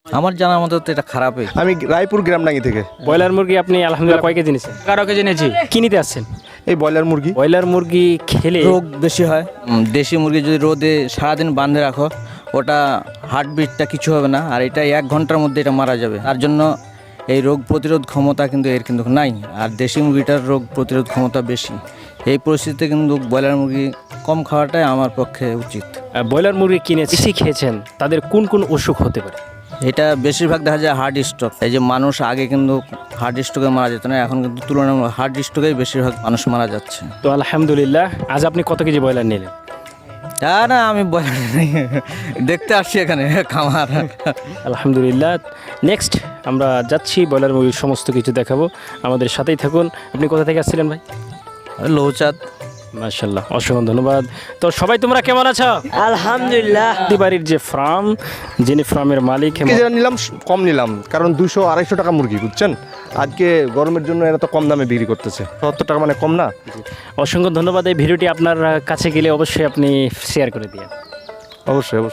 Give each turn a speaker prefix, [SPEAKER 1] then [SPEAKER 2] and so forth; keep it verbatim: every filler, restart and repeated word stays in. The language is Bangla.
[SPEAKER 1] আমার জানার মতো তো এটা খারাপই।
[SPEAKER 2] আমি রায়পুর গ্রামডাঙ্গি থেকে।
[SPEAKER 3] ব্রয়লার মুরগি আপনি আলহামদুলিল্লাহ কয় কেজি নিয়েছেন?
[SPEAKER 4] এগারো কেজি নিয়েছি।
[SPEAKER 3] কি নিতে আসছেন?
[SPEAKER 2] এই ব্রয়লার মুরগি
[SPEAKER 3] ব্রয়লার মুরগি খেলে
[SPEAKER 1] রোগ বেশি হয়। উম, দেশি মুরগি যদি রোদে সারাদিন বাঁধে রাখো, ওটা হার্টবিটটা কিছু হবে না, আর এটা এক ঘন্টার মধ্যে এটা মারা যাবে। তার জন্য এই রোগ প্রতিরোধ ক্ষমতা কিন্তু এর কিন্তু নাই, আর দেশি মুরগিটার রোগ প্রতিরোধ ক্ষমতা বেশি। এই পরিস্থিতিতে কিন্তু ব্রয়লার মুরগি কম খাওয়াটাই আমার পক্ষে উচিত।
[SPEAKER 3] আহ, ব্রয়লার মুরগি কিনে বেশি খেয়েছেন, তাদের কোন কোন অসুখ হতে পারে?
[SPEAKER 1] এটা বেশিরভাগ দেখা যায় হার্ট স্ট্রোক। এই যে মানুষ আগে কিন্তু হার্ট স্ট্রোকে মারা যেত না, এখন কিন্তু তুলনামূলক হার্ট স্ট্রোকেই বেশিরভাগ মানুষ মারা যাচ্ছে।
[SPEAKER 3] তো আলহামদুলিল্লাহ, আজ আপনি কত কেজি ব্রয়লার নিলেন?
[SPEAKER 1] তা না, আমি ব্রয়লার নেই, দেখতে আসছি এখানে খামার।
[SPEAKER 3] আলহামদুলিল্লাহ। নেক্সট আমরা যাচ্ছি, ব্রয়লার মুরগির সমস্ত কিছু দেখাবো, আমাদের সাথেই থাকুন। আপনি কোথা থেকে আসছিলেন ভাই?
[SPEAKER 1] লৌচাঁদ।
[SPEAKER 3] মাশাআল্লাহ, অসংখ্য ধন্যবাদ। তো সবাই তোমরা কেমন আছো?
[SPEAKER 5] আলহামদুলিল্লাহ।
[SPEAKER 3] বাড়ির যে ফার্ম, যিনি ফার্মের মালিক,
[SPEAKER 2] যেটা নিলাম কম নিলাম, কারণ দুশো আড়াইশো টাকা মুরগি, বুঝছেন। আজকে গরমের জন্য এরা তো কম দামে বিক্রি করতেছে, সত্তর টাকা মানে কম না।
[SPEAKER 3] অসংখ্য ধন্যবাদ। এই ভিডিওটি আপনার কাছে গেলে অবশ্যই আপনি শেয়ার করে দিন।
[SPEAKER 2] অবশ্যই অবশ্যই।